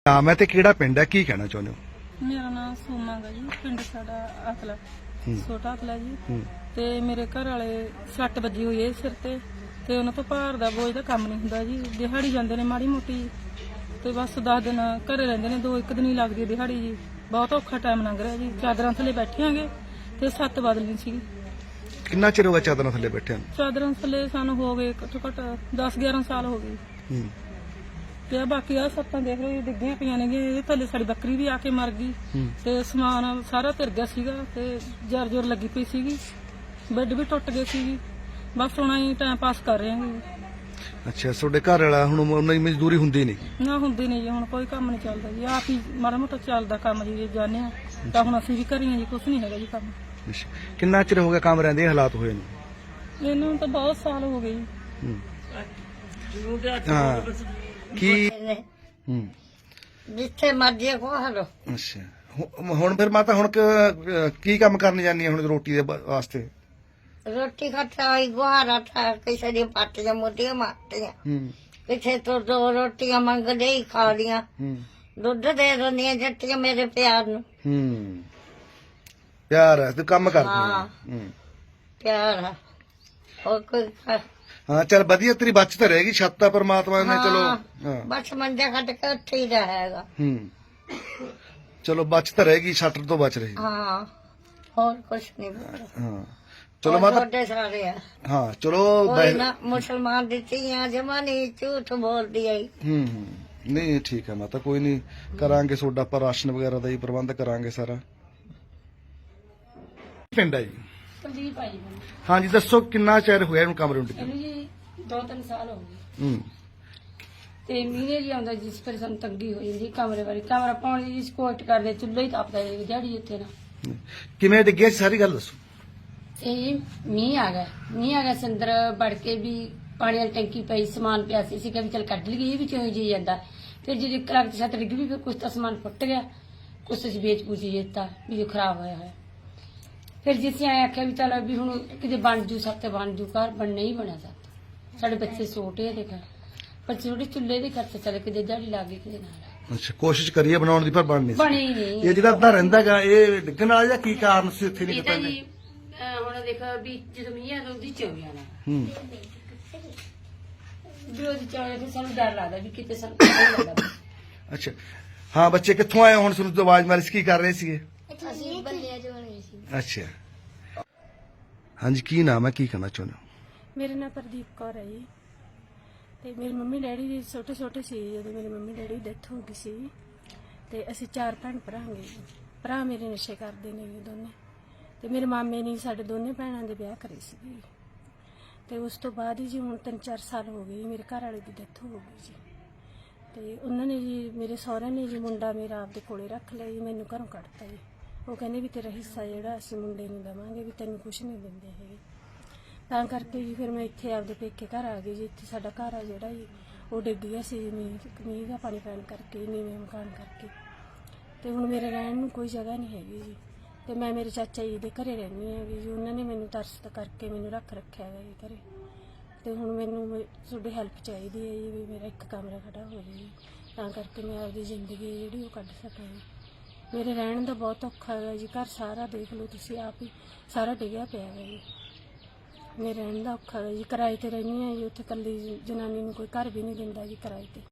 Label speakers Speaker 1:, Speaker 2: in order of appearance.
Speaker 1: ਨਾਮ ਹੈ ਤੇ ਕਿਹੜਾ ਪਿੰਡ ਹੈ, ਕੀ ਕਹਿਣਾ ਚਾਹੁੰਦੇ ਹੋ?
Speaker 2: ਮੇਰਾ ਨਾਮ ਸੋਮਾ ਗਾ ਜੀ, ਪਿੰਡ ਸਾਡਾ ਅਕਲਾ, ਛੋਟਾ ਅਕਲਾ ਜੀ। ਤੇ ਮੇਰੇ ਘਰ ਵਾਲੇ ਸੱਟ ਵੱਜੀ ਹੋਈ ਹੈ ਸਿਰ ਤੇ ਉਹਨਾਂ ਤੋਂ ਭਾਰ ਦਾ ਬੋਝ ਦਾ ਕੰਮ ਨਹੀਂ ਹੁੰਦਾ ਜੀ। ਦਿਹਾੜੀ ਜਾਂਦੇ ਨੇ ਮਾੜੀ ਮੋਟੀ ਤੇ ਬਸ 10 ਦਿਨ ਘਰੇ ਰਹਿੰਦੇ ਨੇ, 2-1 ਦਿਨ ਹੀ ਲੱਗਦੀ ਹੈ ਦਿਹਾੜੀ ਜੀ। ਬਹੁਤ ਔਖਾ ਟਾਈਮ ਲੰਘ ਰਿਹਾ ਜੀ। ਚਾਦਰਾਂ ਥੱਲੇ ਬੈਠਿਆਂਗੇ ਤੇ 7 ਬਦਲਣੀ ਸੀਗੀ।
Speaker 1: ਕਿੰਨਾ ਚਿਰ ਹੋ ਗਿਆ ਚਾਦਰਾਂ ਥੱਲੇ ਬੈਠਿਆਂ ਨੂੰ?
Speaker 2: ਚਾਦਰਾਂ ਥੱਲੇ ਸਾਨੂੰ ਹੋ ਗਏ ਘੱਟੋ ਘੱਟ 10-11 ਸਾਲ ਹੋ ਗਏ। ਤੇ ਬਾਕੀ ਆ ਸੱਤਾਂ ਦੇਖ ਲਓ, ਡਿੱਗੀਆਂ ਪਈਆਂ ਨੇ। ਇਹਦੇ ਥੱਲੇ ਸਾਡੀ ਬੱਕਰੀ ਵੀ ਆ ਕੇ ਮਰ ਗਈ ਤੇ ਸਮਾਨ ਸਾਰਾ ਧਿਰ ਗਿਆ ਸੀਗਾ ਤੇ ਜਰ ਲੱਗੀ ਪਈ ਸੀਗੀ। ਬੈੱਡ ਵੀ ਟੁੱਟ ਗਏ ਸੀਗੀ। ਬਸ ਹੁਣ ਅਸੀਂ ਟਾਈਮ ਪਾਸ ਕਰ ਰਹੇ ਹਾਂ।
Speaker 1: ਅੱਛਾ, ਤੁਹਾਡੇ ਘਰ ਵਾਲਾ ਹੁਣ ਉਹਨਾਂ ਦੀ ਮਜ਼ਦੂਰੀ ਹੁੰਦੀ ਨਹੀਂ?
Speaker 2: ਨਾ ਹੁੰਦੀ ਨਹੀਂ ਜੀ, ਹੁਣ ਕੋਈ ਕੰਮ ਨਹੀਂ ਚੱਲਦਾ ਜੀ। ਆਪ ਹੀ ਮਾੜਾ ਮੋਟਾ ਚੱਲਦਾ ਕੰਮ ਜੀ, ਜਾਂਦੇ ਆ ਤਾਂ ਹੁਣ ਅਸੀਂ ਵੀ ਕਰੀਏ ਜੀ, ਕੁਛ ਨਹੀਂ ਹੈਗਾ ਜੀ ਕੰਮ।
Speaker 1: ਕਿੰਨਾ ਚਿਰ ਹੋ ਗਿਆ ਕੰਮ ਰਹਿੰਦੇ ਹਾਲਾਤ ਹੋਏ ਨੇ?
Speaker 2: ਇਹਨੂੰ ਤਾਂ ਬਹੁਤ ਸਾਲ ਹੋ ਗਏ ਜੀ।
Speaker 1: ਹਾਂ ਕੀ
Speaker 3: ਜਿੱਥੇ ਮਰਜੀ ਖਵਾ ਲੋ।
Speaker 1: ਅੱਛਾ, ਹੁਣ ਫਿਰ ਮਾਤਾ ਹੁਣ ਕੀ ਕੰਮ ਕਰਨ ਜਾਂਦੀ ਹੈ ਹੁਣ ਰੋਟੀ ਦੇ ਵਾਸਤੇ?
Speaker 3: ਰੋਟੀ ਖਾਤਾ ਹੋਈ ਗੁਹਾਰਾ ਥਾ, ਕਿਸੇ ਦੀ ਪਾਟੀਆਂ ਮੋਟੀਆਂ ਮਾਰਤੀਆਂ, ਕਿਸੇ ਤੋਂ 2 ਰੋਟੀਆਂ ਮੰਗਦੇ ਹੀ ਖਾ ਲੀਆਂ। ਦੁੱਧ ਦੇ ਦਿੰਦੀਆਂ ਜੱਟੀਆਂ ਮੇਰੇ ਪਿਆਰ ਨੂੰ।
Speaker 1: ਪਿਆਰ ਹੈ ਤੇ ਕੰਮ ਕਰਦੀ ਹੈ।
Speaker 3: ਪਿਆਰ ਹੈ, ਹੋਰ ਕੋਈ
Speaker 1: ਹਾਂ ਚੱਲ ਵਧੀਆ, ਤੇਰੀ ਬਚਤ ਰਹੇਗੀ। ਛੱਤ ਤਾਂ ਪਰਮਾਤਮਾ ਨੇ ਚਲੋ
Speaker 3: ਬਸ ਮੰਜਾ ਕੱਟ ਕੇ ਉੱਥੇ ਹੀ ਰਹੇਗਾ।
Speaker 1: ਚਲੋ ਬਚਤ ਰਹੇਗੀ, ਛੱਟ ਤੋਂ ਬਚ ਰਹੀ।
Speaker 3: ਹਾਂ, ਹੋਰ ਕੁਛ ਨਹੀਂ।
Speaker 1: ਹਾਂ ਚਲੋ ਮਾਤਾ,
Speaker 3: ਤੁਹਾਡੇ ਸਾਰੇ ਆ।
Speaker 1: ਹਾਂ ਚਲੋ।
Speaker 3: ਕੋਈ ਨਾ ਮੁਸਲਮਾਨ ਦੀ ਧੀਆਂ ਜਮਾ ਨਹੀਂ ਝੂਠ ਬੋਲਦੀ ਆਈ।
Speaker 1: ਨਹੀਂ ਠੀਕ ਹੈ ਮਾਤਾ, ਕੋਈ ਨਹੀਂ, ਕਰਾਂਗੇ ਤੁਹਾਡਾ ਆਪਾਂ ਰਾਸ਼ਨ ਵਗੈਰਾ ਦਾ ਹੀ ਪ੍ਰਬੰਧ ਕਰਾਂਗੇ ਸਾਰਾ। ਪਿੰਡ ਹੈ ਜੀ
Speaker 2: ਕੁਲਦੀਪ ਆਈ
Speaker 1: ਹਾਂਜੀ, ਦੱਸੋ ਕਿੰਨਾ ਚਿਰ ਹੋਇਆ ਇਹਨੂੰ ਕਮਰੇ ਨੂੰ?
Speaker 2: ਇਹਨੂੰ ਜੀ 2-3 ਸਾਲ ਹੋ ਗਏ। ਤੇ ਮਹੀਨੇ ਜੀ ਆਉਂਦਾ ਜਿਸ ਪਰ ਸਾਨੂੰ ਤੰਗੀ ਹੋ ਜਾਂਦੀ ਕਮਰੇ ਵਾਲੀ। ਕਮਰਾ ਪਾਉਣ ਦੀ ਸਪੋਰਟ ਕਰਦੇ, ਚੁੱਲ੍ਹਾ ਹੀ ਤਾਪਦਾ ਜੀ ਦਿਹਾੜੀ ਇੱਥੇ ਨਾ।
Speaker 1: ਕਿਵੇਂ ਡਿੱਗਿਆ ਸੀ ਸਾਰੀ ਗੱਲ ਦੱਸੋ।
Speaker 2: ਇਹ ਮੀਂਹ ਆ ਗਿਆ ਸੰਦਰ ਵੜ ਕੇ ਵੀ ਪਾਣੀ ਵਾਲੀ ਟੈਂਕੀ ਪਈ, ਸਮਾਨ ਪਿਆ ਸੀ। ਅਸੀਂ ਕਿਹਾ ਵੀ ਚੱਲ ਕੱਢ ਲਈਏ, ਇਹ ਵੀ ਚੋਂ ਜੀ ਜਾਂਦਾ। ਫਿਰ ਜਦੋਂ ਕਲਾਕ ਦੀ ਛੱਤ ਡਿੱਗ ਵੀ, ਫਿਰ ਕੁਛ ਤਾਂ ਸਮਾਨ ਫੁੱਟ ਗਿਆ, ਕੁਛ ਅਸੀਂ ਵੇਚ ਪੂਚੀ ਦਿੱਤਾ ਵੀ ਜੋ ਖਰਾਬ ਹੋਇਆ ਹੈ। ਫਿਰ ਜਿਸ ਆਏ ਆਖਿਆ ਵੀ ਚੱਲ ਵੀ ਹੁਣ ਕਿਤੇ ਬਣ ਜੂ, ਸੱਤ ਬਣ ਜੂ, ਘਰ ਬਣਨਾ ਹੀ ਬਣਿਆ ਸੱਤ। ਸਾਡੇ ਬੱਚੇ ਛੋਟੇ ਆ ਦੇਖਾ, ਪਰ ਛੋਟੇ ਚੁੱਲ੍ਹੇ ਦੇ ਖਰਚ ਚੱਲ ਕਿਤੇ ਦਿਹਾੜੀ ਲੱਗ ਗਈ ਕਿਤੇ ਨਾਲ।
Speaker 1: ਅੱਛਾ, ਕੋਸ਼ਿਸ਼ ਕਰੀਏ ਬਣਾਉਣ ਦੀ ਪਰ ਬਣੀ
Speaker 2: ਨਹੀਂ।
Speaker 1: ਇਹ ਜਿਹੜਾ ਅੱਧਾ ਰਹਿੰਦਾਗਾ ਇਹ ਡਿੱਗਣ ਵਾਲਾ ਜਾਂ ਕੀ ਕਾਰਨ ਸੀ ਇੱਥੇ ਨਹੀਂ ਪਤਾ?
Speaker 2: ਜੀ ਹੁਣ ਦੇਖ ਵੀ ਜਦੋਂ ਮੀਂਹ ਆਉਂਦਾ ਉਹਦੀ ਚੋਈ ਆਣਾ ਵੀ ਉਹਦੀ ਚੋਈ ਤੇ ਸਾਨੂੰ ਡਰ ਲੱਗਦਾ ਵੀ ਕਿਤੇ ਸਾਨੂੰ ਲੱਗਦਾ।
Speaker 1: ਅੱਛਾ ਹਾਂ, ਬੱਚੇ ਕਿੱਥੋਂ ਆਏ ਹੁਣ? ਤੁਹਾਨੂੰ ਆਵਾਜ਼ ਮਾਰੀ ਸੀ, ਕੀ ਕਰ ਰਹੇ ਸੀਗੇ?
Speaker 3: ਅਸੀਂ ਬੱਲੀਆਂ ਚ ਬਣੇ ਸੀ।
Speaker 1: ਅੱਛਾ ਹਾਂਜੀ, ਕੀ ਨਾਮ ਹੈ, ਕੀ ਕਹਿਣਾ ਚਾਹੁੰਦੇ ਹੋ?
Speaker 2: ਮੇਰਾ ਨਾਮ ਪ੍ਰਦੀਪ ਕੌਰ ਹੈ ਜੀ। ਤੇ ਮੇਰੀ ਮੰਮੀ ਡੈਡੀ ਜੀ ਛੋਟੇ ਸੀ ਜਦੋਂ ਮੇਰੀ ਮੰਮੀ ਡੈਡੀ ਦੀ ਡੈਥ ਹੋ ਗਈ ਸੀ। ਤੇ ਅਸੀਂ 4 ਭੈਣ ਭਰਾ ਹਾਂ ਜੀ। ਭਰਾ ਮੇਰੇ ਨਸ਼ੇ ਕਰਦੇ ਨੇ ਜੀ ਦੋਨੇ। ਤੇ ਮੇਰੇ ਮਾਮੇ ਨੇ ਸਾਡੇ ਦੋਨੇ ਭੈਣਾਂ ਦੇ ਵਿਆਹ ਕਰੇ ਸੀ। ਤੇ ਉਸ ਤੋਂ ਬਾਅਦ ਹੀ ਜੀ ਹੁਣ 3-4 ਸਾਲ ਹੋ ਗਏ ਮੇਰੇ ਘਰ ਵਾਲੇ ਦੀ ਡੈਥ ਹੋ ਗਈ ਜੀ। ਤੇ ਉਹਨਾਂ ਨੇ ਜੀ ਮੇਰੇ ਸਹੁਰਿਆਂ ਨੇ ਜੀ ਮੁੰਡਾ ਮੇਰਾ ਆਪਦੇ ਕੋਲੇ ਰੱਖ ਲਿਆ ਜੀ, ਮੈਨੂੰ ਘਰੋਂ ਕੱਢਤਾ ਜੀ। ਉਹ ਕਹਿੰਦੇ ਵੀ ਤੇਰਾ ਹਿੱਸਾ ਜਿਹੜਾ ਅਸੀਂ ਮੁੰਡੇ ਨੂੰ ਦੇਵਾਂਗੇ, ਵੀ ਤੈਨੂੰ ਕੁਛ ਨਹੀਂ ਦਿੰਦੇ ਹੈਗੇ। ਤਾਂ ਕਰਕੇ ਜੀ ਫਿਰ ਮੈਂ ਇੱਥੇ ਆਪਦੇ ਪੇਕੇ ਘਰ ਆ ਗਈ ਜੀ। ਇੱਥੇ ਸਾਡਾ ਘਰ ਆ ਜਿਹੜਾ ਜੀ ਉਹ ਡਿੱਗ ਗਿਆ ਸੀ ਮੀਂਹ ਦਾ ਪਾਣੀ ਪੈਣ ਕਰਕੇ, ਨੀਵੇਂ ਮਕਾਨ ਕਰਕੇ। ਤੇ ਹੁਣ ਮੇਰੇ ਰਹਿਣ ਨੂੰ ਕੋਈ ਜਗ੍ਹਾ ਨਹੀਂ ਹੈਗੀ ਜੀ। ਤੇ ਮੈਂ ਮੇਰੇ ਚਾਚਾ ਜੀ ਦੇ ਘਰੇ ਰਹਿੰਦੀ ਹਾਂ ਜੀ। ਉਹਨਾਂ ਨੇ ਮੈਨੂੰ ਤਰਸ ਕਰਕੇ ਮੈਨੂੰ ਰੱਖਿਆ ਹੈ ਜੀ ਘਰੇ। ਤੇ ਹੁਣ ਮੈਨੂੰ ਤੁਹਾਡੀ ਹੈਲਪ ਚਾਹੀਦੀ ਹੈ ਜੀ, ਵੀ ਮੇਰਾ ਇੱਕ ਕਮਰਾ ਖੜਾ ਹੋ ਜਾਵੇ ਜੀ, ਤਾਂ ਕਰਕੇ ਮੈਂ ਆਪਦੀ ਜ਼ਿੰਦਗੀ ਜਿਹੜੀ ਉਹ ਕੱਢ ਸਕਾਂ ਜੀ। ਮੇਰੇ ਰਹਿਣ ਦਾ ਬਹੁਤ ਔਖਾ ਹੈਗਾ ਜੀ। ਘਰ ਸਾਰਾ ਦੇਖ ਲਓ ਤੁਸੀਂ ਆਪ ਹੀ, ਸਾਰਾ ਡਿੱਗਿਆ ਪਿਆ ਹੈ ਜੀ। ਮੇਰੇ ਰਹਿਣ ਦਾ ਔਖਾ ਹੈ ਜੀ। ਕਿਰਾਏ ਤੇ ਰਹਿੰਦੀ ਹਾਂ ਜੀ, ਉੱਥੇ ਇਕੱਲੀ ਜਨਾਨੀ ਨੂੰ ਕੋਈ ਘਰ ਵੀ ਨਹੀਂ ਦਿੰਦਾ ਜੀ ਕਿਰਾਏ ਤੇ।